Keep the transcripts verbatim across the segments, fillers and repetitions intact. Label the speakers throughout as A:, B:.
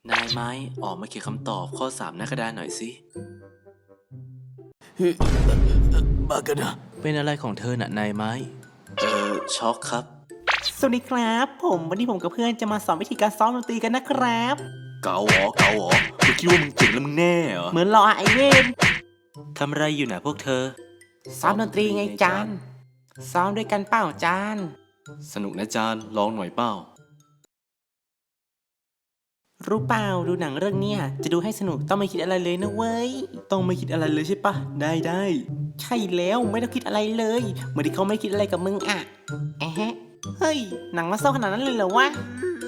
A: นายไม้ออกมาเขียนคำตอบข้อสามหน้ากระดานหน่อยสิบ้ากันนะเป็นอะไรของเธอน่ะนายไม้เออช็อกครับ
B: สวัสดีครับผมวันนี้ผมกับเพื่อนจะมาสอนวิธีการซ้อมดนตรีกันนะครับ
A: เกาหรอเกาหรอมึงคิดว่ามึงเจ๋งแล้วมึงแน่เหรอ
B: เหมือนรอไอเวน
A: ทำอะไรอยู่น่ะพวกเธอ
B: ซ้อมดนตรีไงจานซ้อมด้วยกันเปล่าจาน
A: สนุกนะจานลองหน่อยเปล่า
B: รู้เปล่าดูหนังเรื่องเนี้ยจะดูให้สนุกต้องไม่คิดอะไรเลยนะเว้ย
A: ต้องไม่คิดอะไรเลยใช่ปะได้ได้
B: ใช่แล้วไม่ต้องคิดอะไรเลยเหมือนที่เขาไม่คิดอะไรกับมึงอ่ะแอะฮะเฮ้ยหนังมาเศร้าขนาดนั้นเลยเหรอวะ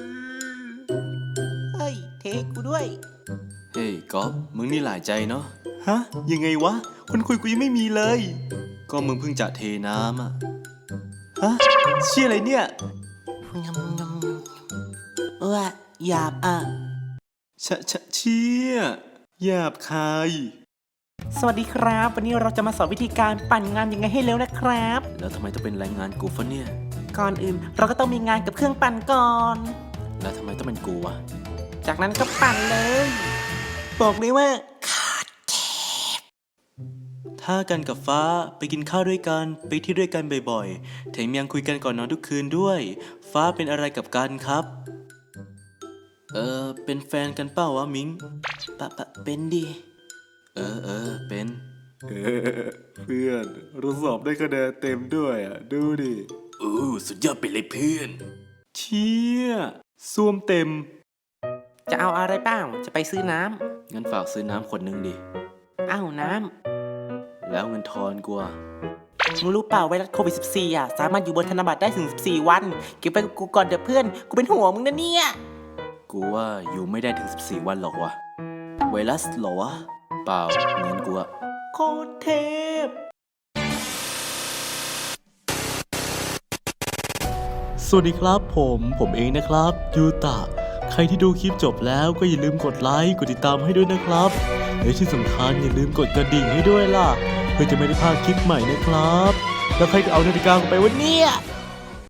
B: เฮ้ยเทกูด้วย
A: เฮ้ยก๊อฟมึงนี่หลายใจเนาะฮะยังไงวะคนคุยกูยังไม่มีเลยก็มึงเพิ่งจะเทน้ำอะฮะเชี่ยอะไรเนี่ย
B: งำงำเออหยาบอ่ะ
A: ชะชะเชี่ยหยาบคาย
B: สวัสดีครับวันนี้เราจะมาสอนวิธีการปั่นงานยังไงให้เร็วนะครับ
A: แล้วทำไมต้องเป็นแรงงานกูฟะเนี่ย
B: ก่อนอื่นเราก็ต้องมีงานกับเครื่องปั่นก่อน
A: แล้วทำไมต้องเป็นกูวะ
B: จากนั้นก็ปั่นเลยบอกเลยว่า
A: ถ้ากันกับฟ้าไปกินข้าวด้วยกันไปที่ด้วยกันบ่อยๆแถมยังคุยกันก่อนนอนทุกคืนด้วยฟ้าเป็นอะไรกับกันครับเออเป็นแฟนกันเปล่าวะมิง
B: ปะปะเป็นดิ
A: เออเออเป็น
C: เออเพื่อนเราสอบได้คะแนนเต็มด้วยอ่ะดูดิ
A: อู้สุดยอดไปเลยเพื่อนเชี่ยซ่วมเต็ม
B: จะเอาอะไรเปล่าจะไปซื้อน้
A: ำงั้นฝากซื้อน้ำขวดนึงดิ
B: อ้าวน้
A: ำแล้วเงินทอนกูอ่ะ
B: มึงรู้เปล่าไวรัสโควิด สิบสี่ อ่ะสามารถอยู่บนธนบัตรได้ถึงสิบสี่วันเก็บไปกับกูก่อนเดี๋ยวเพื่อนกูเป็นห่วงมึงนะเนี่ย
A: กูว่าอยู่ไม่ได้ถึงสิบสี่วันหรอกวะไวรัสหรอวะเปล่าเงินกูอะ
B: โคตรเทพ
A: สวัสดีครับผมผมเองนะครับยูตะใครที่ดูคลิปจบแล้วก็อย่าลืมกดไลค์กดติดตามให้ด้วยนะครับและที่สำคัญอย่าลืมกดกระดิ่งให้ด้วยล่ะเพื่อจะไม่ได้พลาดคลิปใหม่นะครับแล้วใครจะเอานาฬิกาไปวันนี้